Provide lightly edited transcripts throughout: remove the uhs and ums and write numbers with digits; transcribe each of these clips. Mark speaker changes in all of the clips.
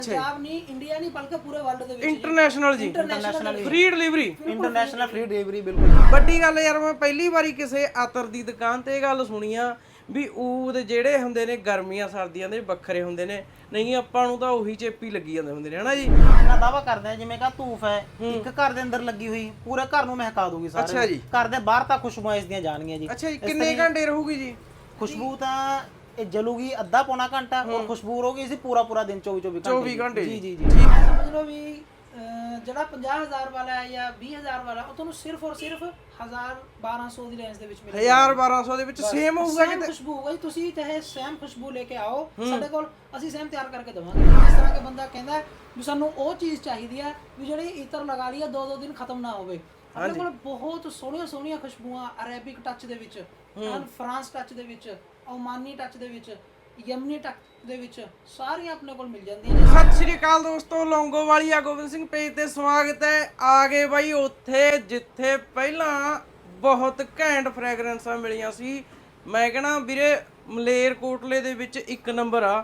Speaker 1: ਪੰਜਾਬ ਨਹੀਂ ਇੰਡੀਆ ਨਹੀਂ ਬਲਕਿ ਪੂਰੇ ਵਰਲਡ ਦੇ ਵਿੱਚ
Speaker 2: ਇੰਟਰਨੈਸ਼ਨਲ ਜੀ, free delivery,
Speaker 3: international free delivery. ਬਿਲਕੁਲ
Speaker 2: ਵੱਡੀ ਗੱਲ ਯਾਰ, ਮੈਂ ਪਹਿਲੀ ਵਾਰੀ ਕਿਸੇ ਆਤਰ ਦੀ ਦੁਕਾਨ ਤੇ ਇਹ ਗੱਲ ਸੁਣੀ ਆ ਵੀ ਊਦ ਜਿਹੜੇ ਹੁੰਦੇ ਨੇ ਗਰਮੀਆਂ ਸਰਦੀਆਂ ਦੇ ਵੱਖਰੇ ਹੁੰਦੇ ਨੇ, ਨਹੀਂ ਆਪਾਂ ਨੂੰ ਤਾਂ ਉਹੀ ਚੇਪੀ ਲੱਗੀ ਜਾਂਦੇ ਹੁੰਦੇ ਨੇ, ਹਨਾ ਜੀ।
Speaker 3: ਇਹਨਾਂ ਦਾਵਾ ਕਰਦੇ ਆ ਜਿਵੇਂ ਕਾ ਧੂਫ ਹੈ ਇੱਕ ਘਰ ਦੇ ਅੰਦਰ ਲੱਗੀ ਹੋਈ ਪੂਰੇ ਘਰ ਨੂੰ ਮਹਿਕਾ ਦੂਗੀ ਸਾਰੇ।
Speaker 2: ਅੱਛਾ ਜੀ।
Speaker 3: ਘਰ ਦੇ ਬਾਹਰ ਤੱਕ ਖੁਸ਼ਬੂਆਂ ਇਸ ਦੀਆਂ ਜਾਣਗੀਆਂ ਜੀ।
Speaker 2: ਅੱਛਾ ਜੀ, ਕਿੰਨੇ ਘੰਟੇ ਰਹੂਗੀ ਜੀ
Speaker 3: ਖੁਸ਼ਬੂ? ਤਾਂ ਇਹ ਜਲੂਗੀ ਅੱਧਾ ਪੌਣਾ ਘੰਟਾ, ਔਰ ਖੁਸ਼ਬੂ ਰਹੂਗੀ ਇਸੇ ਪੂਰਾ ਦਿਨ 24 ਘੰਟੇ।
Speaker 2: ਜੀ
Speaker 3: ਜੀ।
Speaker 1: ਸਮਝ ਲਓ ਵੀ ਜਿਹੜਾ 50,000 ਵਾਲਾ ਹੈ ਜਾਂ 20,000 ਵਾਲਾ, ਉਹ ਤੁਹਾਨੂੰ ਸਿਰਫ ਔਰ ਸਿਰਫ 1,000-1,200 ਦੀ ਰੇਂਜ ਦੇ ਵਿੱਚ ਮਿਲੇਗਾ।
Speaker 2: 1,000-1,200 ਦੇ ਵਿੱਚ ਸੇਮ ਹੋਊਗਾ
Speaker 1: ਕਿਤੇ ਖੁਸ਼ਬੂ ਹੋਊਗਾ ਜੀ। ਤੁਸੀਂ ਚਾਹੇ ਸੇਮ ਖੁਸ਼ਬੂ ਲੈ ਕੇ ਆਓ ਸਾਡੇ ਕੋਲ, ਅਸੀਂ ਸੇਮ ਤਿਆਰ ਕਰਕੇ ਦੇਵਾਂਗੇ। ਇਸ ਤਰ੍ਹਾਂ ਕਿ ਬੰਦਾ ਕਹਿੰਦਾ ਵੀ ਸਾਨੂੰ ਉਹ ਚੀਜ਼ ਚਾਹੀਦੀ ਹੈ ਵੀ ਜਿਹੜੀ ਇਤਰ ਲਗਾ ਲਈ 2-2 ਦਿਨ ਖਤਮ ਨਾ ਹੋਵੇ। ਆਪਣੇ ਕੋਲ ਬਹੁਤ ਸੋਹਣੀਆਂ ਖੁਸ਼ਬੂਆਂ ਅਰੇਬਿਕ ਟੱਚ ਦੇ ਵਿੱਚ, ਫਰਾਂਸ ਟੱਚ ਦੇ ਵਿੱਚ, ਓਮਾਨੀ ਟੱਚ ਦੇ ਵਿੱਚ, ਯਮਨੀ ਟੱਚ ਦੇ ਵਿੱਚ ਸਾਰੀਆਂ ਆਪਣੇ ਕੋਲ ਮਿਲ ਜਾਂਦੀਆਂ ਨੇ।
Speaker 2: ਸਤਿ ਸ਼੍ਰੀ ਅਕਾਲ ਦੋਸਤੋ, ਲੌਂਗੋਵਾਲੀਆ ਗੋਬਿੰਦ ਸਿੰਘ ਪੇਜ ਤੇ ਸਵਾਗਤ ਹੈ। ਆ ਗਏ ਬਾਈ ਉੱਥੇ ਜਿੱਥੇ ਪਹਿਲਾਂ ਬਹੁਤ ਘੈਂਟ ਫ੍ਰੈਗਰੈਂਸਾਂ ਮਿਲੀਆਂ ਸੀ। ਮੈਂ ਕਹਿਣਾ ਵੀਰੇ ਮਲੇਰਕੋਟਲੇ ਦੇ ਵਿੱਚ ਇੱਕ ਨੰਬਰ ਆ।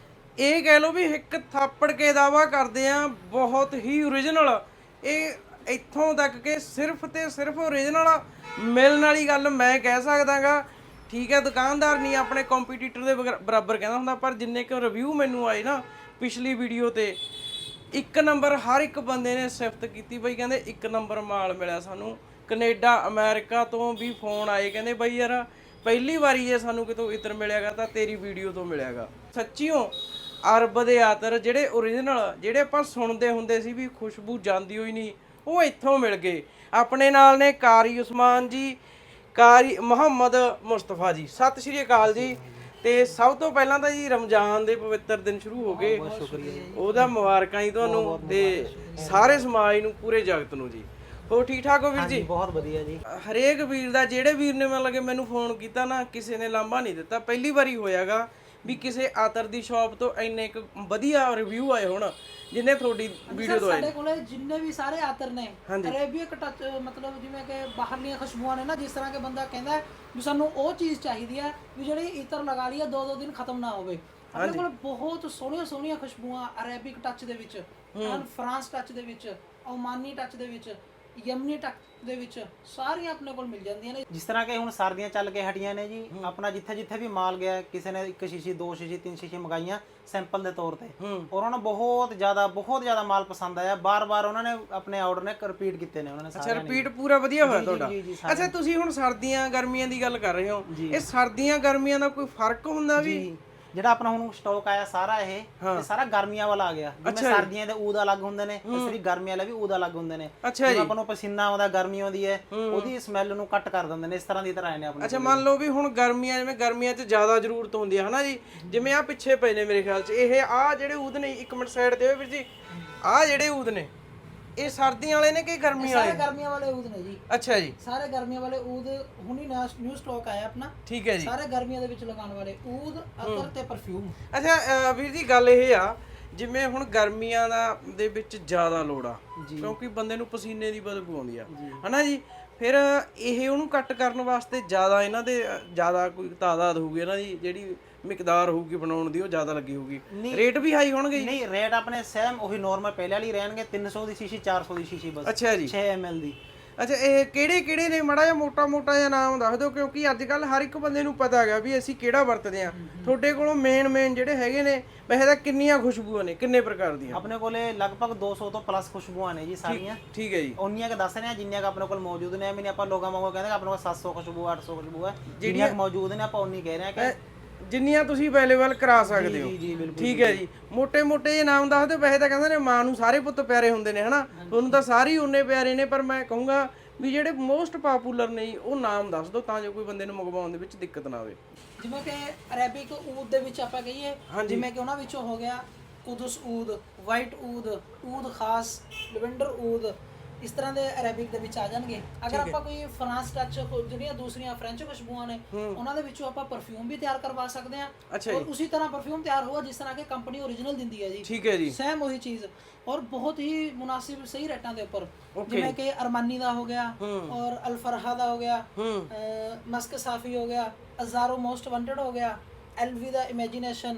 Speaker 2: ਇਹ ਕਹਿ ਲਓ ਵੀ ਇੱਕ ਥਾਪੜ ਕੇ ਦਾਵਾ ਕਰਦੇ ਆ ਬਹੁਤ ਹੀ ਓਰੀਜਨਲ। ਇਹ ਇੱਥੋਂ ਤੱਕ ਕਿ ਸਿਰਫ ਤੇ ਸਿਰਫ ਓਰੀਜਨਲ ਮਿਲਣ ਵਾਲੀ ਗੱਲ ਮੈਂ ਕਹਿ ਸਕਦਾਗਾ। ਠੀਕ ਹੈ, ਦੁਕਾਨਦਾਰ ਨਹੀਂ ਆਪਣੇ ਕੰਪੀਟੀਟਰ ਦੇ ਬਰਾਬਰ ਕਹਿੰਦਾ ਹੁੰਦਾ, ਪਰ ਜਿੰਨੇ ਕੁ ਰਿਵਿਊ ਮੈਨੂੰ ਆਏ ਨਾ ਪਿਛਲੀ ਵੀਡੀਓ ਤੇ, ਇੱਕ ਨੰਬਰ ਹਰ ਇੱਕ ਬੰਦੇ ਨੇ ਸਿਫਤ ਕੀਤੀ ਬਈ, ਕਹਿੰਦੇ ਇੱਕ ਨੰਬਰ ਮਾਲ ਮਿਲਿਆ ਸਾਨੂੰ। ਕੈਨੇਡਾ ਅਮਰੀਕਾ ਤੋਂ ਵੀ ਫੋਨ ਆਏ, ਕਹਿੰਦੇ ਬਈ ਯਾਰ ਪਹਿਲੀ ਵਾਰੀ ਜੇ ਸਾਨੂੰ ਕਿਤੋਂ ਇਤਰ ਮਿਲਿਆਗਾ ਤਾਂ ਤੇਰੀ ਵੀਡੀਓ ਤੋਂ ਮਿਲਿਆਗਾ। ਸੱਚੀਓ ਅਰਬ ਦੇ ਆਤਰ ਜਿਹੜੇ ਓਰੀਜਨਲ, ਜਿਹੜੇ ਆਪਾਂ ਸੁਣਦੇ ਹੁੰਦੇ ਸੀ ਵੀ ਖੁਸ਼ਬੂ ਜਾਂਦੀ ਹੋਈ ਨਹੀਂ, ਉਹ ਇੱਥੋਂ ਮਿਲ ਗਏ। ਆਪਣੇ ਨਾਲ ਨੇ ਕਾਰੀ ਉਸਮਾਨ ਜੀ, ਕਾਰੀ ਮੁਹੰਮਦ ਮੁਸਤਫਾ ਜੀ। ਸਤਿ ਸ਼੍ਰੀ ਅਕਾਲ ਜੀ। ਤੇ ਸਭ ਤੋਂ ਪਹਿਲਾਂ ਤਾਂ ਜੀ ਰਮਜ਼ਾਨ ਦੇ ਪਵਿੱਤਰ ਦਿਨ ਸ਼ੁਰੂ ਹੋ ਗਏ, ਉਹਦਾ ਮੁਬਾਰਕਾਂ ਜੀ ਤੁਹਾਨੂੰ ਤੇ ਸਾਰੇ ਸਮਾਜ ਨੂੰ, ਪੂਰੇ ਜਗਤ ਨੂੰ ਜੀ। ਹੋਰ ਠੀਕ ਠਾਕ ਹੋ ਵੀਰ ਜੀ?
Speaker 3: ਬਹੁਤ ਵਧੀਆ ਜੀ।
Speaker 2: ਹਰੇਕ ਵੀਰ ਦਾ, ਜਿਹੜੇ ਵੀਰ ਨੇ ਮਤਲਬ ਕਿ ਮੈਨੂੰ ਫੋਨ ਕੀਤਾ ਨਾ, ਕਿਸੇ ਨੇ ਲਾਂਭਾ ਨਹੀਂ ਦਿੱਤਾ। ਪਹਿਲੀ ਵਾਰੀ ਹੋਇਆਗਾ ਵੀ ਕਿਸੇ ਆਤਰ ਦੀ ਸ਼ਾਪ ਤੋਂ ਇੰਨੇ ਇੱਕ ਵਧੀਆ ਰਿਵਿਊ ਆਏ ਹੋਣ ਜਿੰਨੇ ਤੁਹਾਡੀ ਵੀਡੀਓ ਤੋਂ ਆਏ।
Speaker 1: ਸਾਡੇ ਕੋਲੇ ਜਿੰਨੇ ਵੀ ਸਾਰੇ ਆਤਰ ਨੇ ਅਰੇਬੀਅਕ ਟੱਚ, ਮਤਲਬ ਜਿਵੇਂ ਕਿ ਬਾਹਰਲੀਆਂ ਖੁਸ਼ਬੂਆਂ ਨੇ ਨਾ, ਜਿਸ ਤਰ੍ਹਾਂ ਕਿ ਬੰਦਾ ਕਹਿੰਦਾ ਵੀ ਸਾਨੂੰ ਉਹ ਚੀਜ਼ ਚਾਹੀਦੀ ਹੈ ਵੀ ਜਿਹੜੀ ਇਤਰ ਲਗਾ ਲਈ 2-2 ਦਿਨ ਖਤਮ ਨਾ ਹੋਵੇ। ਆਪਣੇ ਕੋਲ ਬਹੁਤ ਸੋਹਣੀਆਂ ਖੁਸ਼ਬੂਆਂ ਅਰੇਬਿਕ ਟੱਚ ਦੇ ਵਿੱਚ, ਫਰਾਂਸ ਟੱਚ ਦੇ ਵਿੱਚ, ਓਮਾਨੀ ਟੱਚ ਦੇ ਵਿੱਚ, ਯਮਨੀ ਟੱਚ ਦੇ ਵਿੱਚ ਸਾਰੀਆਂ ਆਪਣੇ ਕੋਲ ਮਿਲ ਜਾਂਦੀਆਂ ਨੇ।
Speaker 3: ਜਿਸ ਤਰ੍ਹਾਂ ਕਿ ਹੁਣ ਸਰਦੀਆਂ ਚੱਲ ਕੇ ਹਟੀਆਂ ਨੇ ਜੀ, ਆਪਣਾ ਜਿੱਥੇ ਵੀ ਮਾਲ ਗਿਆ, ਕਿਸੇ ਨੇ 1 ਸ਼ੀਸ਼ੀ 2 ਸ਼ੀਸ਼ੀ 3 ਸ਼ੀਸ਼ੀ ਮੰਗਾਈਆਂ ਸੈਂਪਲ ਦੇ ਤੌਰ ਤੇ, ਔਰ ਉਹਨਾਂ ਨੂੰ ਬਹੁਤ ਜ਼ਿਆਦਾ ਮਾਲ ਪਸੰਦ ਆਇਆ। ਬਾਰ-ਬਾਰ ਉਹਨਾਂ ਨੇ ਆਪਣੇ ਆਰਡਰ ਨੇ ਰਿਪੀਟ ਕੀਤੇ ਨੇ ਉਹਨਾਂ ਨੇ।
Speaker 2: ਅੱਛਾ, ਰਿਪੀਟ ਪੂਰਾ ਵਧੀਆ ਹੋਇਆ ਤੁਹਾਡਾ। ਅੱਛਾ, ਤੁਸੀਂ ਹੁਣ ਸਰਦੀਆਂ ਗਰਮੀਆਂ ਦੀ ਗੱਲ ਕਰ ਰਹੇ ਹੋ, ਇਹ ਸਰਦੀਆਂ ਗਰਮੀਆਂ ਦਾ ਕੋਈ ਫਰਕ ਹੁੰਦਾ ਵੀ?
Speaker 3: ਜਿਹੜਾ ਆਪਣਾ ਹੁਣ ਸਟਾਕ ਆਇਆ ਸਾਰਾ ਇਹ ਸਾਰਾ ਗਰਮੀਆਂ ਵਾਲਾ ਆ ਗਿਆ। ਜਿਵੇਂ ਸਰਦੀਆਂ ਦੇ ਊਦ ਅਲੱਗ ਹੁੰਦੇ ਨੇ, ਇਸ ਲਈ ਗਰਮੀਆਂ ਵਾਲੇ ਵੀ ਊਦ ਅਲੱਗ ਹੁੰਦੇ ਨੇ। ਜਿਵੇਂ ਆਪਾਂ ਨੂੰ ਪਸੀਨਾ ਆਉਂਦਾ ਗਰਮੀ ਆਉਂਦੀ ਹੈ, ਉਹਦੀ ਸਮੈਲ ਨੂੰ ਕੱਟ ਕਰ ਦਿੰਦੇ ਨੇ। ਇਸ ਤਰ੍ਹਾਂ ਦੀ ਤਰ੍ਹਾਂ ਆਏ ਨੇ ਆਪਣੇ।
Speaker 2: ਅੱਛਾ, ਮੰਨ ਲਓ ਵੀ ਹੁਣ ਗਰਮੀਆਂ, ਜਿਵੇਂ ਗਰਮੀਆਂ 'ਚ ਜ਼ਿਆਦਾ ਜ਼ਰੂਰਤ ਹੁੰਦੀ ਹੈ ਹਨਾ ਜੀ, ਜਿਵੇਂ ਆ ਪਿੱਛੇ ਪਏ ਨੇ ਮੇਰੇ ਖਿਆਲ 'ਚ ਇਹ ਆ ਜਿਹੜੇ ਊਦ ਨੇ, ਇੱਕ ਮਿੰਟ ਸਾਈਡ ਤੇ ਹੋਏ ਵੀਰ ਜੀ, ਆ ਜਿਹੜੇ ਊਦ ਨੇ ਇਹ ਸਰਦੀਆਂ ਵਾਲੇ ਨੇ ਕਿ ਗਰਮੀਆਂ ਵਾਲੇ?
Speaker 1: ਸਾਰੇ ਗਰਮੀਆਂ ਵਾਲੇ ਊਦ ਨੇ ਜੀ।
Speaker 2: ਅੱਛਾ ਜੀ,
Speaker 1: ਸਾਰੇ ਗਰਮੀਆਂ ਵਾਲੇ ਊਦ ਹੁਣੀ ਨਿਊ ਸਟਾਕ ਆਇਆ ਆਪਣਾ।
Speaker 2: ਠੀਕ ਹੈ ਜੀ।
Speaker 1: ਸਾਰੇ ਗਰਮੀਆਂ ਦੇ ਵਿੱਚ ਲਗਾਉਣ ਵਾਲੇ ਊਦ, ਅਤਰ ਤੇ ਪਰਫਿਊਮ।
Speaker 2: ਅੱਛਾ ਵੀਰ ਜੀ, ਗੱਲ ਇਹ ਆ ਜਿਵੇਂ ਹੁਣ ਗਰਮੀਆਂ ਦੇ ਵਿੱਚ ਜ਼ਿਆਦਾ ਲੋੜ ਆ, ਕਿਉਂਕਿ ਬੰਦੇ ਨੂੰ ਪਸੀਨੇ ਦੀ ਬਦਬੂ ਆਉਂਦੀ ਆ ਹਨਾ ਜੀ। ਫਿਰ ਇਹ ਉਹਨੂੰ ਕੱਟ ਕਰਨ ਵਾਸਤੇ ਜ਼ਿਆਦਾ ਇਹਨਾਂ ਦੇ ਜ਼ਿਆਦਾ ਕੋਈ ਤਾਦਾਦ ਹੋਊਗੀ, ਇਹਨਾਂ ਦੀ ਜਿਹੜੀ ਮਿਕਦਾਰ ਹੋਊਗੀ ਬਣਾਉਣ ਦੀ, ਉਹ ਜ਼ਿਆਦਾ ਲੱਗੀ ਹੋਊਗੀ। ਰੇਟ ਵੀ ਹਾਈ ਹੋਣਗੇ?
Speaker 3: ਨਹੀਂ, ਰੇਟ ਆਪਣੇ ਸੇਮ ਉਹੀ ਨਾਰਮਲ ਪਹਿਲੇ ਵਾਲੀ ਰਹਿਣਗੇ। 300 ਦੀ ਸ਼ੀਸ਼ੀ, 400 ਦੀ ਸ਼ੀਸ਼ੀ ਬਸ।
Speaker 2: ਅੱਛਾ ਜੀ,
Speaker 3: 6 ml ਦੀ।
Speaker 2: ਅੱਛਾ, ਇਹ ਕਿਹੜੇ ਨੇ? ਮਾੜਾ ਜਿਹਾ ਮੋਟਾ ਜਿਹਾ ਨਾਮ ਦੱਸ ਦਿਓ, ਕਿਉਂਕਿ ਅੱਜ ਕੱਲ ਹਰ ਇੱਕ ਬੰਦੇ ਨੂੰ ਪਤਾ ਹੈਗਾ ਵੀ ਅਸੀਂ ਕਿਹੜਾ ਵਰਤਦੇ ਆ। ਤੁਹਾਡੇ ਕੋਲੋਂ ਮੇਨ ਜਿਹੜੇ ਹੈਗੇ ਨੇ, ਵੈਸੇ ਤਾਂ ਕਿੰਨੀਆਂ ਖੁਸ਼ਬੂਆਂ ਨੇ, ਕਿੰਨੇ ਪ੍ਰਕਾਰ ਦੀਆਂ?
Speaker 3: ਆਪਣੇ ਕੋਲੇ ਲਗਭਗ 200 ਤੋਂ ਪਲੱਸ ਖੁਸ਼ਬੂਆਂ ਨੇ ਜੀ ਸਾਰੀਆਂ।
Speaker 2: ਠੀਕ ਹੈ ਜੀ।
Speaker 3: ਉਨੀਆਂ ਕਿ ਦੱਸ ਰਹੇ ਆ ਜਿੰਨੀਆਂ ਕਿ ਆਪਣੇ ਕੋਲ ਮੌਜੂਦ ਨੇ। ਨਹੀਂ ਆਪਾਂ ਲੋਕਾਂ ਵਾਂਗੂ ਕਹਿੰਦੇ ਆਪਣੇ ਕੋਲ 700 ਖੁਸ਼ਬੂ 800 ਖੁਸ਼ਬੂ ਹੈ, ਜਿਹੜੀਆਂ ਮੌਜੂਦ ਨੇ ਆਪਾਂ ਉਨੀ ਕਹਿ ਰਹੇ ਆ ਕਿ
Speaker 2: ਜਿੰਨੀਆਂ ਤੁਸੀਂ ਅਵੇਲੇਬਲ ਕਰਾ ਸਕਦੇ ਹੋ।
Speaker 3: ਜੀ ਬਿਲਕੁਲ।
Speaker 2: ਠੀਕ ਹੈ ਜੀ। ਮੋਟੇ ਜਿਹੇ ਨਾਮ ਦੱਸ ਦਿਓ। ਵੈਸੇ ਤਾਂ ਕਹਿੰਦੇ ਨੇ ਮਾਂ ਨੂੰ ਸਾਰੇ ਪੁੱਤ ਪਿਆਰੇ ਹੁੰਦੇ ਨੇ ਹਨਾ, ਤੁਹਾਨੂੰ ਤਾਂ ਸਾਰੇ ਉਨੇ ਪਿਆਰੇ ਨੇ, ਪਰ ਮੈਂ ਕਹੂੰਗਾ ਵੀ ਜਿਹੜੇ ਮੋਸਟ ਪਪੂਲਰ ਨੇ ਉਹ ਨਾਮ ਦੱਸ ਦਿਓ ਤਾਂ ਜੋ ਕੋਈ ਬੰਦੇ ਨੂੰ ਮੰਗਵਾਉਣ ਦੇ ਵਿੱਚ ਦਿੱਕਤ ਨਾ ਆਵੇ।
Speaker 1: ਜਿਵੇਂ ਕਿ ਅਰੇਬਿਕ ਊਦ ਦੇ ਵਿੱਚ ਆਪਾਂ ਕਹੀਏ, ਜਿਵੇਂ ਕਿ ਉਹਨਾਂ ਵਿੱਚੋਂ ਹੋ ਗਿਆ ਕੁਦਸ ਊਦ, ਵਾਈਟ ਊਦ, ਊਦ ਖਾਸ, ਲਵੈਂਡਰ ਊਦ, ਇਸ ਤਰ੍ਹਾਂ ਦੇ ਅਰੇਬਿਕ ਦੇ ਵਿੱਚ ਆ ਜਾਣਗੇ। ਅਗਰ ਆਪਾਂ ਕੋਈ ਫਰਾਂਸ ਟੱਚ, ਜਿਹੜੀਆਂ ਦੂਸਰੀਆਂ ਫ੍ਰੈਂਚ ਖੁਸ਼ਬੂਆਂ ਨੇ, ਉਹਨਾਂ ਦੇ ਵਿੱਚੋਂ ਆਪਾਂ ਪਰਫਿਊਮ ਵੀ ਤਿਆਰ ਕਰਵਾ ਸਕਦੇ ਹਾਂ। ਔਰ ਉਸੇ ਤਰ੍ਹਾਂ ਪਰਫਿਊਮ ਤਿਆਰ ਹੋਊਗਾ ਜਿਸ ਤਰ੍ਹਾਂ ਕਿ ਕੰਪਨੀ ਓਰੀਜਨਲ ਦਿੰਦੀ ਹੈ ਜੀ।
Speaker 2: ਠੀਕ ਹੈ ਜੀ,
Speaker 1: ਸੇਮ ਉਹੀ ਚੀਜ਼, ਔਰ ਬਹੁਤ ਹੀ ਮੁਨਾਸਿਬ ਸਹੀ ਰੇਟਾਂ ਦੇ ਉੱਪਰ। ਜਿਵੇਂ ਕਿ ਅਰਮਾਨੀ ਦਾ ਹੋ ਗਿਆ, ਔਰ ਅਲਫਰਹਾ ਦਾ ਹੋ ਗਿਆ, ਮਸਕ ਸਾਫੀ ਹੋ ਗਿਆ, ਅਜ਼ਾਰੋ ਮੋਸਟ ਵਾਂਟਡ ਹੋ ਗਿਆ, ਐਲਵੀ ਦਾ ਇਮੇਜਿਨੇਸ਼ਨ,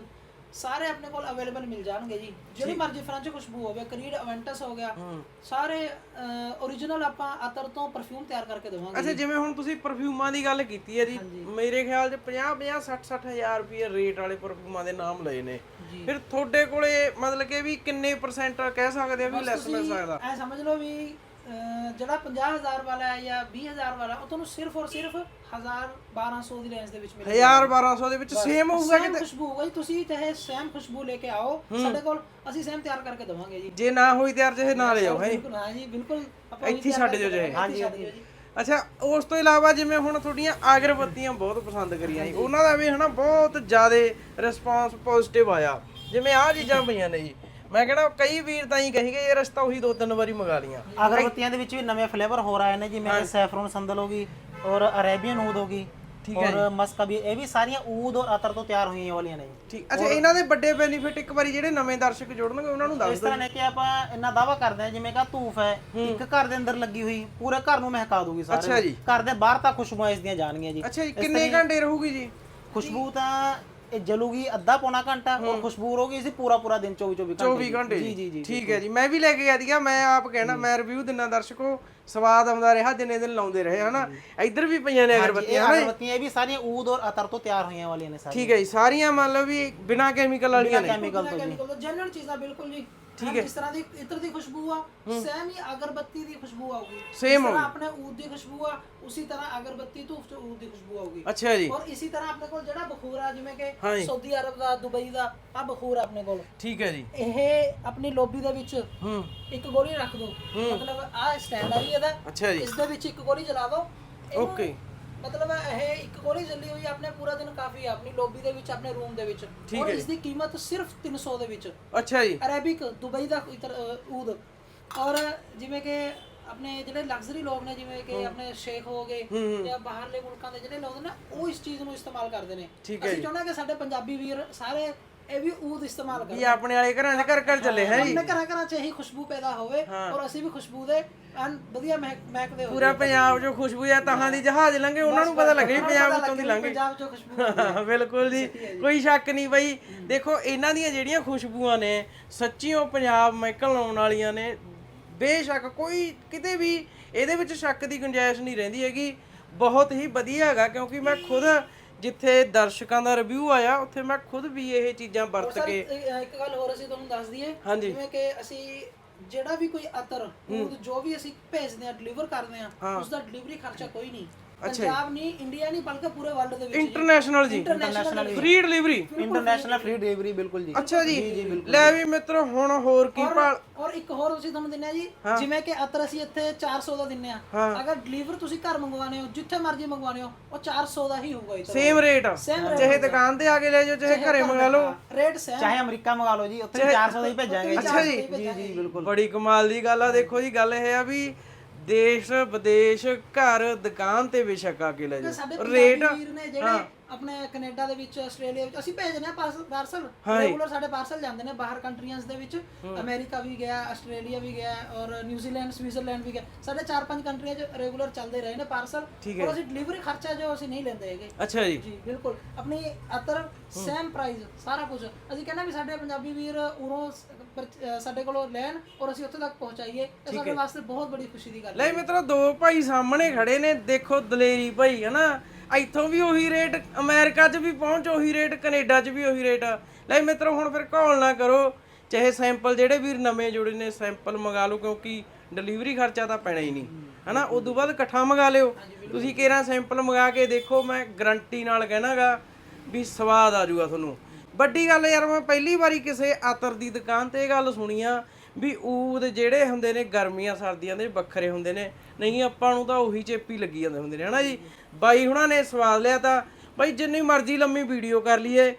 Speaker 1: ਸਾਰੇ ਆਪਣੇ ਕੋਲ ਅਵੇਲੇਬਲ ਮਿਲ ਜਾਣਗੇ ਜੀ। ਜਿਹੜੀ ਮਰਜ਼ੀ ਫ੍ਰੈਂਚ ਖੁਸ਼ਬੂ ਹੋਵੇ, ਕਰੀਡ ਅਵੈਂਟਸ ਹੋ ਗਿਆ, ਸਾਰੇ origignal ਆਪਾਂ ਅਤਰ ਤੋਂ ਪਰਫਿਊਮ ਤਿਆਰ ਕਰਕੇ ਦੇਵਾਂਗੇ।
Speaker 2: ਅੱਛਾ, ਜਿਵੇਂ ਹੁਣ ਤੁਸੀਂ ਪਰਫਿਊਮਾਂ ਦੀ ਗੱਲ ਕੀਤੀ ਹੈ ਜੀ, ਮੇਰੇ ਖਿਆਲ 'ਚ 50 60 ਹਜ਼ਾਰ ਰੁਪਏ ਰੇਟ ਵਾਲੇ ਪਰਫਿਊਮਾਂ ਦੇ ਨਾਮ ਲਏ ਨੇ। ਫਿਰ ਤੁਹਾਡੇ ਕੋਲੇ ਮਤਲਬ ਕਿ ਵੀ ਕਿੰਨੇ % ਕਹਿ ਸਕਦੇ ਆ ਵੀ ਲੈਸ ਮਿਲ ਸਕਦਾ?
Speaker 1: ਐ ਸਮਝ ਲਓ ਵੀ ਜਿਹੜਾ 50,000 ਵਾਲਾ ਹੈ ਜਾਂ 20,000 ਵਾਲਾ, ਉਹ ਤੁਹਾਨੂੰ ਸਿਰਫ ਔਰ ਸਿਰਫ 1,000-1,200 ਦੀ ਰੇਂਜ ਦੇ ਵਿੱਚ ਮਿਲੇਗਾ।
Speaker 2: 1,000-1,200 ਦੇ ਵਿੱਚ ਸੇਮ ਹੋਊਗਾ
Speaker 1: ਕਿਤੇ? ਖੁਸ਼ਬੂ ਹੋਊਗਾ ਜੀ, ਤੁਸੀਂ ਚਾਹੇ ਸੇਮ ਖੁਸ਼ਬੂ ਲੈ ਕੇ ਆਓ ਸਾਡੇ ਕੋਲ, ਅਸੀਂ ਸੇਮ ਤਿਆਰ ਕਰਕੇ ਦਵਾਂਗੇ ਜੀ।
Speaker 2: ਜੇ ਨਾ ਹੋਈ ਤਿਆਰ ਚਾਹੇ ਨਾ ਲੈ ਜਾਓ। ਹੈ
Speaker 1: ਬਿਲਕੁਲ, ਹਾਂ ਜੀ ਬਿਲਕੁਲ, ਆਪਾਂ
Speaker 2: ਇੱਥੇ ਛੱਡ ਦਿਓ ਚਾਹੇ।
Speaker 1: ਹਾਂਜੀ।
Speaker 2: ਅੱਛਾ, ਉਸ ਤੋਂ ਇਲਾਵਾ ਜਿਵੇਂ ਹੁਣ ਤੁਹਾਡੀਆਂ ਅਗਰਬੱਤੀਆਂ ਬਹੁਤ ਪਸੰਦ ਕਰੀਆਂ ਜੀ, ਉਹਨਾਂ ਦਾ ਵੀ ਹਨਾ ਬਹੁਤ ਜ਼ਿਆਦਾ ਰਿਸਪਾਂਸ ਪੋਜ਼ਿਟਿਵ ਆਇਆ। ਜਿਵੇਂ ਆਹ ਚੀਜ਼ਾਂ ਪਈਆਂ ਨੇ ਜੀ, ਮੈਂ ਕਹਿੰਦਾ ਕਈ ਵੀਰ ਤਾਂ ਹੀ ਕਹੀਗੇ ਇਹ ਰਸਤਾ ਉਹੀ 2-3 ਵਾਰੀ ਮੰਗਾ ਲੀਆਂ।
Speaker 3: ਅਗਰਬੱਤੀਆਂ ਦੇ ਵਿੱਚ ਵੀ ਨਵੇਂ ਫਲੇਵਰ ਹੋ ਰਹੇ ਨੇ, ਜਿਵੇਂ ਸੈਫਰਨ ਸੰਦਲ ਹੋ ਗਈ ਔਰ ਅਰੇਬੀਅਨ ਊਦ ਹੋ ਗਈ ਔਰ ਮਸਕ ਵੀ, ਇਹ ਵੀ ਸਾਰੀਆਂ ਊਦ ਔਰ ਅਤਰ ਤੋਂ ਤਿਆਰ ਹੋਈਆਂ ਵਾਲੀਆਂ ਨੇ।
Speaker 2: ਠੀਕ। ਅੱਛਾ, ਇਹਨਾਂ ਦੇ ਵੱਡੇ ਬੈਨੀਫਿਟ ਇੱਕ ਵਾਰੀ ਜਿਹੜੇ ਨਵੇਂ ਦਰਸ਼ਕ ਜੁੜਨਗੇ ਉਹਨਾਂ ਨੂੰ ਦੱਸ ਦਿਓ।
Speaker 3: ਇਸ ਤਰ੍ਹਾਂ ਨੇ ਕਿ ਆਪਾਂ ਇੰਨਾ ਦਾਵਾ ਕਰਦੇ ਹਾਂ ਜਿਵੇਂ ਕਿ ਧੂਫ ਹੈ, ਇੱਕ ਘਰ ਦੇ ਅੰਦਰ ਲੱਗੀ ਹੋਈ ਪੂਰੇ ਘਰ ਨੂੰ ਮਹਿਕਾ ਦੂਗੀ ਸਾਰੇ।
Speaker 2: ਅੱਛਾ ਜੀ।
Speaker 3: ਘਰ ਦੇ ਬਾਹਰ ਤੱਕ ਖੁਸ਼ਬੂਆਂ ਇਸ ਦੀਆਂ ਜਾਣਗੀਆਂ ਜੀ।
Speaker 2: ਅੱਛਾ ਜੀ, ਕਿੰਨੇ ਘੰਟੇ ਰਹੂਗੀ ਜੀ
Speaker 3: ਖੁਸ਼ਬੂ? ਤਾਂ ਇਹ ਜਲੂਗੀ ਅੱਧਾ ਪੌਣਾ ਘੰਟਾ ਔਰ ਖੁਸ਼ਬੂ ਰਹੂਗੀ ਇਸੇ ਪੂਰਾ ਦਿਨ 24
Speaker 2: ਘੰਟੇ। ਜੀ ਠੀਕ ਹੈ ਜੀ। ਮੈਂ ਵੀ ਲੈ ਕੇ ਗਿਆ ਸੀਗਾ, ਮੈਂ ਆਪ ਕਹਿਣਾ, ਮੈਂ ਰਿਵਿਊ ਦਿੰਨਾ ਦਰਸ਼ਕੋ, ਸਵਾਦ ਆਉਂਦਾ ਰਿਹਾ ਜਿੰਨੇ ਦਿਨ ਲਾਉਂਦੇ ਰਹੇ ਹਨਾ। ਇੱਧਰ ਵੀ ਪਈਆਂ ਨੇ ਅਗਰਬੱਤੀਆਂ ਹਨਾ।
Speaker 3: ਅਗਰਬੱਤੀਆਂ ਇਹ ਵੀ ਸਾਰੀਆਂ ਊਦ ਔਰ ਅਤਰ ਤੋਂ ਤਿਆਰ ਹੋਈਆਂ ਵਾਲੀਆਂ ਨੇ ਸਾਰੀਆਂ।
Speaker 2: ਠੀਕ ਹੈ ਜੀ, ਸਾਰੀਆਂ ਮੰਨ ਲਓ ਵੀ ਬਿਨਾਂ ਕੈਮੀਕਲ ਵਾਲੀਆਂ ਨੇ।
Speaker 3: ਕੈਮੀਕਲ ਤੋਂ ਜੀ
Speaker 1: ਜਨਰਲ ਚੀਜ਼ਾਂ ਬਿਲਕੁਲ ਜੀ।
Speaker 2: ਠੀਕ ਹੈ।
Speaker 1: ਜਿਸ ਤਰ੍ਹਾਂ ਦੀ ਇਤਰ ਦੀ ਖੁਸ਼ਬੂ ਆ, ਸੇਮ ਹੀ ਅਗਰਬੱਤੀ ਦੀ ਖੁਸ਼ਬੂ ਆਊਗੀ।
Speaker 2: ਸੇਮ
Speaker 1: ਜਿਸ ਤਰ੍ਹਾਂ ਆਪਣੇ ਊਦ ਦੀ ਖੁਸ਼ਬੂ ਆ, ਉਸੇ ਤਰ੍ਹਾਂ ਅਗਰਬੱਤੀ ਧੂਫ ਚ ਊਦ ਦੀ ਖੁਸ਼ਬੂ ਆਊਗੀ।
Speaker 2: ਅੱਛਾ ਜੀ।
Speaker 1: ਔਰ ਇਸੇ ਤਰ੍ਹਾਂ ਆਪਣੇ ਕੋਲ ਜਿਹੜਾ ਬਖੂਰ ਆ, ਜਿਵੇਂ ਕਿ ਸਾਊਦੀ ਅਰਬ ਦਾ, ਦੁਬਈ ਦਾ ਆ ਬਖੂਰ ਆਪਣੇ ਕੋਲ।
Speaker 2: ਠੀਕ ਹੈ ਜੀ।
Speaker 1: ਇਹ ਆਪਣੀ ਲੋਬੀ ਦੇ ਵਿੱਚ ਇੱਕ ਗੋਲੀ ਰੱਖ ਦੋ, ਮਤਲਬ ਆ ਸਟੈਂਡ ਆ ਜੀ ਇਹਦਾ।
Speaker 2: ਅੱਛਾ ਜੀ।
Speaker 1: ਇਸ ਦੇ ਵਿੱਚ ਇੱਕ ਗੋਲੀ ਜਲਾ ਦੋ।
Speaker 2: ਓਕੇ।
Speaker 1: ਮਤਲਬ ਇਹ ਇੱਕ ਗੋਲੀ ਜਲੀ ਹੋਈ ਆਪਣੇ ਪੂਰਾ ਦਿਨ ਕਾਫੀ ਆ ਆਪਣੀ ਲੋਬੀ ਦੇ ਵਿੱਚ, ਆਪਣੇ ਰੂਮ ਦੇ ਵਿੱਚ। ਔਰ ਇਸ ਦੀ ਕੀਮਤ ਸਿਰਫ 300 ਦੇ ਵਿੱਚ।
Speaker 2: ਅੱਛਾ ਜੀ।
Speaker 1: ਅਰੇਬਿਕ ਦੁਬਈ ਦਾ ਊਦ। ਔਰ ਜਿਵੇਂ ਕਿ ਆਪਣੇ ਜਿਹੜੇ ਲਗਜ਼ਰੀ ਲੋਕ ਨੇ, ਜਿਵੇਂ ਕਿ ਆਪਣੇ ਸ਼ੇਖ ਹੋ ਗਏ ਜਾਂ ਬਾਹਰਲੇ ਮੁਲਕਾਂ ਦੇ ਜਿਹੜੇ ਲੋਕ ਨੇ, ਉਹ ਇਸ ਚੀਜ਼ ਨੂੰ ਇਸਤੇਮਾਲ ਕਰਦੇ ਨੇ। ਅਸੀਂ ਚਾਹੁੰਦੇ ਕਿ ਸਾਡੇ ਪੰਜਾਬੀ ਵੀਰ ਸਾਰੇ ਇਹ ਵੀ ਊਦ ਇਸਤੇਮਾਲ ਕਰਨ।
Speaker 2: ਇਹ ਆਪਣੇ ਵਾਲੇ ਘਰਾਂ 'ਚ ਘਰ ਚੱਲੇ ਹੈ ਜੀ।
Speaker 1: ਆਪਣੇ ਘਰਾਂ 'ਚ ਇਹੀ ਖੁਸ਼ਬੂ ਪੈਦਾ ਹੋਵੇ ਔਰ ਅਸੀਂ ਵੀ ਖੁਸ਼ਬੂ ਦੇ ਵਧੀਆ ਮਹਿਕਦੇ ਹੋਈਏ।
Speaker 2: ਪੂਰਾ ਪੰਜਾਬ 'ਚੋਂ ਖੁਸ਼ਬੂ ਆ, ਤਾਹਾਂ ਦੀ ਜਹਾਜ਼ ਲੰਘੇ ਉਹਨਾਂ ਨੂੰ ਪਤਾ ਲੱਗੇ ਪੰਜਾਬ ਵਿੱਚੋਂ ਦੀ ਲੰਘੇ।
Speaker 1: ਪੰਜਾਬ 'ਚੋਂ ਖੁਸ਼ਬੂ।
Speaker 2: ਬਿਲਕੁਲ ਜੀ, ਕੋਈ ਸ਼ੱਕ ਨਹੀਂ ਬਈ। ਦੇਖੋ ਇਹਨਾਂ ਦੀਆਂ ਜਿਹੜੀਆਂ ਖੁਸ਼ਬੂਆਂ ਨੇ ਸੱਚੀ ਉਹ ਪੰਜਾਬ ਮਹਿਕਣ ਲਾਉਣ ਵਾਲੀਆਂ ਨੇ। ਬੇਸ਼ੱਕ ਕੋਈ ਕਿਤੇ ਵੀ ਇਹਦੇ ਵਿੱਚ ਸ਼ੱਕ ਦੀ ਗੁੰਜਾਇਸ਼ ਨਹੀਂ ਰਹਿੰਦੀ ਹੈਗੀ। ਬਹੁਤ ਹੀ ਵਧੀਆ ਹੈਗਾ, ਕਿਉਂਕਿ ਮੈਂ ਖੁਦ ਜਿੱਥੇ ਦਰਸ਼ਕਾਂ ਦਾ ਰਿਵਿਊ ਆਇਆ ਉੱਥੇ ਮੈਂ ਖੁਦ ਵੀ ਇਹ ਚੀਜ਼ਾਂ ਵਰਤ ਕੇ।
Speaker 1: ਇੱਕ ਗੱਲ ਹੋਰ ਅਸੀਂ ਤੁਹਾਨੂੰ ਦੱਸ ਦਈਏ, ਜਿਵੇਂ ਕਿ ਅਸੀਂ ਜਿਹੜਾ ਵੀ ਕੋਈ ਅਤਰ ਜੋ ਵੀ ਅਸੀਂ ਭੇਜਦੇ ਆ, ਡਿਲੀਵਰ ਕਰਦੇ ਆ, ਉਸ ਦਾ ਡਿਲੀਵਰੀ ਖਰਚਾ ਕੋਈ ਨਹੀਂ। ਪੰਜਾਬ ਨਹੀਂ, ਇੰਡੀਆ ਨਹੀਂ, ਬਲਕਿ ਪੂਰੇ ਵਰਲਡ ਦੇ ਵਿੱਚ
Speaker 2: ਇੰਟਰਨੈਸ਼ਨਲ ਜੀ, free delivery,
Speaker 3: international free delivery. ਬਿਲਕੁਲ ਜੀ।
Speaker 2: ਅੱਛਾ ਜੀ। ਲੈ ਵੀ ਮਿੱਤਰੋ, ਹੁਣ ਹੋਰ ਕੀ ਭਾਲ।
Speaker 1: ਔਰ ਇੱਕ ਹੋਰ ਅਸੀਂ ਤੁਹਾਨੂੰ ਦਿੰਨੇ ਆ ਜੀ, ਜਿਵੇਂ ਕਿ ਅਤਰ ਅਸੀਂ ਇੱਥੇ 400 ਦਾ ਦਿੰਨੇ ਆ, ਅਗਰ ਡਿਲੀਵਰ ਤੁਸੀਂ ਘਰ ਮੰਗਵਾਣੇ ਹੋ, ਜਿੱਥੇ ਮਰਜ਼ੀ ਮੰਗਵਾਣੇ ਹੋ, ਉਹ 400 ਦਾ ਹੀ ਹੋਊਗਾ।
Speaker 2: ਸੇਮ ਰੇਟ, ਚਾਹੇ ਦੁਕਾਨ ਤੇ ਆ ਕੇ ਲੈ ਜਾਓ, ਚਾਹੇ ਘਰੇ ਮੰਗਾ ਲਓ,
Speaker 1: ਰੇਟ ਸੇਮ।
Speaker 3: ਚਾਹੇ ਅਮਰੀਕਾ ਮੰਗਾ ਲਓ ਜੀ, ਉੱਥੇ 400 ਦਾ ਹੀ ਭੇਜਾਂਗੇ।
Speaker 2: ਅੱਛਾ ਜੀ।
Speaker 3: ਜੀ ਬਿਲਕੁਲ।
Speaker 2: ਬੜੀ ਕਮਾਲ ਦੀ ਗੱਲ ਆ। ਦੇਖੋ ਜੀ, ਗੱਲ ਇਹ ਆ ਵੀ ਦੇਸ਼ ਵਿਦੇਸ਼ ਘਰ ਦੁਕਾਨ ਤੇ ਬੇਸ਼ੱਕ ਆ ਕੇ ਲੈ ਜਾਓ। ਰੇਟ
Speaker 1: ਜਿਹੜੇ ਆਪਣੇ ਕੈਨੇਡਾ ਦੇ ਵਿੱਚ, ਆਸਟ੍ਰੇਲੀਆ ਵਿੱਚ ਅਸੀਂ ਭੇਜਦੇ ਆ ਪਾਰਸਲ। ਰੈਗੂਲਰ ਸਾਡੇ ਪਾਰਸਲ ਜਾਂਦੇ ਨੇ ਬਾਹਰ ਕੰਟਰੀਆਂ ਦੇ ਵਿੱਚ। ਅਮਰੀਕਾ ਵੀ ਗਿਆ, ਆਸਟ੍ਰੇਲੀਆ ਵੀ ਗਿਆ ਔਰ ਨਿਊਜ਼ੀਲੈਂਡ, ਸਵਿਟਜ਼ਰਲੈਂਡ ਵੀ ਗਿਆ। ਸਾਡੇ 4-5 ਕੰਟਰੀਆਂ 'ਚ ਰੈਗੂਲਰ ਚੱਲਦੇ ਰਹੇ ਨੇ ਪਾਰਸਲ। ਔਰ ਅਸੀਂ ਡਿਲੀਵਰੀ ਖਰਚਾ ਜੋ ਅਸੀਂ ਨਹੀਂ ਲੈਂਦੇ ਹੈਗੇ।
Speaker 2: ਅੱਛਾ ਜੀ।
Speaker 1: ਜੀ ਬਿਲਕੁਲ। ਆਪਣੀ ਅਤਰ ਸੇਮ ਪ੍ਰਾਈਸ, ਸਾਰਾ ਕੁਝ। ਅਸੀਂ ਕਹਿੰਦੇ ਵੀ ਸਾਡੇ ਪੰਜਾਬੀ ਵੀਰ ਉਰੋਂ ਸਾਡੇ ਕੋਲੋਂ ਲੈਣ ਔਰ ਅਸੀਂ ਉੱਥੇ ਤੱਕ ਪਹੁੰਚਾਈਏ, ਇਹ ਸਾਡੇ ਵਾਸਤੇ ਬਹੁਤ ਬੜੀ ਖੁਸ਼ੀ ਦੀ ਗੱਲ ਹੈ।
Speaker 2: ਲੈ ਮਿੱਤਰੋ, ਦੋ ਭਾਈ ਸਾਹਮਣੇ ਖੜੇ ਨੇ, ਦੇਖੋ ਦਲੇਰੀ ਭਾਈ ਹਨਾ। ਇੱਥੋਂ ਵੀ ਉਹੀ ਰੇਟ, ਅਮਰੀਕਾ 'ਚ ਵੀ ਪਹੁੰਚ ਉਹੀ ਰੇਟ, ਕੈਨੇਡਾ 'ਚ ਵੀ ਉਹੀ ਰੇਟ। ਲੈ ਮਿੱਤਰੋ, ਹੁਣ ਫਿਰ ਘੋਲ ਨਾ ਕਰੋ, ਚਾਹੇ ਸੈਂਪਲ ਜਿਹੜੇ ਵੀਰ ਨਵੇਂ ਜੁੜੇ ਨੇ ਸੈਂਪਲ ਮੰਗਾ ਲਓ, ਕਿਉਂਕਿ ਡਿਲੀਵਰੀ ਖਰਚਾ ਤਾਂ ਪੈਣਾ ਹੀ ਨਹੀਂ ਹਨਾ। ਉਦੋਂ ਬਾਅਦ ਇਕੱਠਾ ਮੰਗਾ ਲਿਓ। ਤੁਸੀਂ ਕਿਹੜਾ ਸੈਂਪਲ ਮੰਗਾ ਕੇ ਦੇਖੋ, ਮੈਂ ਗਰੰਟੀ ਨਾਲ ਕਹਿਣਾਗਾ ਵੀ ਸਵਾਦ ਆ ਜਾਊਗਾ ਤੁਹਾਨੂੰ। ਵੱਡੀ ਗੱਲ ਯਾਰ, ਮੈਂ ਪਹਿਲੀ ਵਾਰੀ ਕਿਸੇ ਅਤਰ ਦੀ ਦੁਕਾਨ ਤੇ ਇਹ ਗੱਲ ਸੁਣੀ ਆ ਵੀ ਊਦ ਜਿਹੜੇ ਹੁੰਦੇ ਨੇ ਗਰਮੀਆਂ ਸਰਦੀਆਂ ਦੇ ਵੱਖਰੇ ਹੁੰਦੇ ਨੇ। ਨਹੀਂ ਆਪਾਂ ਨੂੰ ਤਾਂ ਉਹੀ ਚੇਪੀ ਲੱਗੀ ਜਾਂਦੇ ਹੁੰਦੇ ਨੇ ਹਨਾ ਜੀ। ਬਾਈ ਹੁਣਾਂ ਨੇ ਸਵਾਦ ਲਿਆ ਤਾਂ ਬਾਈ ਜਿੰਨੀ ਮਰਜ਼ੀ ਲੰਮੀ ਵੀਡੀਓ ਕਰ ਲਈਏ,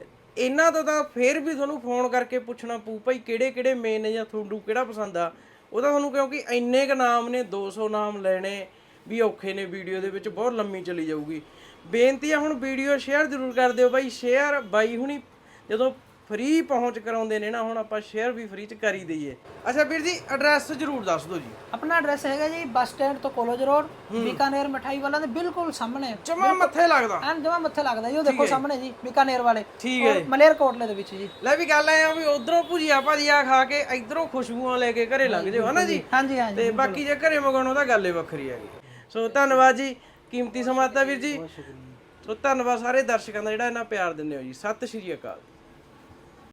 Speaker 2: ਇਹਨਾਂ ਤੋਂ ਤਾਂ ਫੇਰ ਵੀ ਤੁਹਾਨੂੰ ਫੋਨ ਕਰਕੇ ਪੁੱਛਣਾ ਪਊ ਭਾਈ ਕਿਹੜੇ ਕਿਹੜੇ ਮੇਨ ਨੇ ਜਾਂ ਤੁਹਾਨੂੰ ਕਿਹੜਾ ਪਸੰਦ ਆ। ਉਹ ਤਾਂ ਤੁਹਾਨੂੰ, ਕਿਉਂਕਿ ਇੰਨੇ ਕੁ ਨਾਮ ਨੇ, 200 ਨਾਮ ਲੈਣੇ ਵੀ ਔਖੇ ਨੇ, ਵੀਡੀਓ ਦੇ ਵਿੱਚ ਬਹੁਤ ਲੰਮੀ ਚਲੀ ਜਾਊਗੀ। ਬੇਨਤੀ ਆ ਹੁਣ ਵੀਡੀਓ ਸ਼ੇਅਰ ਜ਼ਰੂਰ ਕਰ ਦਿਓ ਬਾਈ। ਸ਼ੇਅਰ ਬਾਈ ਹੁਣੀ ਜਦੋਂ ਫ੍ਰੀ ਪਹੁੰਚ ਕਰਾਉਂਦੇ ਨੇ ਨਾ, ਹੁਣ ਆਪਾਂ ਸ਼ੇਅਰ ਵੀ ਫ੍ਰੀ ਚ ਕਰ ਹੀ ਦਈਏ। ਅੱਛਾ ਵੀਰ ਜੀ ਐਡਰੈਸ ਜ਼ਰੂਰ ਦੱਸ ਦਿਓ ਜੀ।
Speaker 1: ਆਪਣਾ ਐਡਰੈਸ ਹੈਗਾ ਜੀ ਬੱਸ ਸਟੈਂਡ ਤੋਂ ਕਾਲਜ ਰੋਡ, ਬੀਕਾਨੇਰ ਮਠਾਈ ਵਾਲਾ ਦੇ ਬਿਲਕੁਲ ਸਾਹਮਣੇ,
Speaker 2: ਜਮਾ ਮੱਥੇ ਲੱਗਦਾ,
Speaker 1: ਐਨ ਜਮਾ ਮੱਥੇ ਲੱਗਦਾ ਜੀ, ਉਹ ਦੇਖੋ ਸਾਹਮਣੇ ਜੀ ਬੀਕਾਨੇਰ ਵਾਲੇ,
Speaker 2: ਠੀਕ ਹੈ
Speaker 1: ਮਲੇਰਕੋਟਲੇ ਦੇ ਵਿੱਚ ਜੀ।
Speaker 2: ਲੈ ਵੀ ਗੱਲ ਐ ਆ ਵੀ ਉਧਰੋਂ ਭੁਜੀਆ ਭਾਜੀਆ ਖਾ ਕੇ ਇਧਰੋਂ ਖੁਸ਼ਬੂਆਂ ਲੈ ਕੇ ਘਰੇ ਲੰਘ ਜਾਓ, ਹਨਾ ਜੀ।
Speaker 1: ਹਾਂਜੀ ਹਾਂਜੀ
Speaker 2: ਤੇ ਬਾਕੀ ਜੇ ਘਰੇ ਮੰਗਾਉਣਾ ਤਾਂ ਗੱਲ ਹੀ ਵੱਖਰੀ ਹੈਗੀ। ਸੋ ਧੰਨਵਾਦ ਜੀ, ਕੀਮਤੀ ਸਮਾਂ ਦਿੱਤਾ ਵੀਰ ਜੀ। ਸੋ ਧੰਨਵਾਦ ਸਾਰੇ ਦਰਸ਼ਕਾਂ ਦਾ ਜਿਹੜਾ ਇਹਨਾਂ ਪਿਆਰ ਦਿੰਦੇ ਹੋ ਜੀ। ਸਤਿ ਸ਼੍ਰੀ ਅਕਾਲ।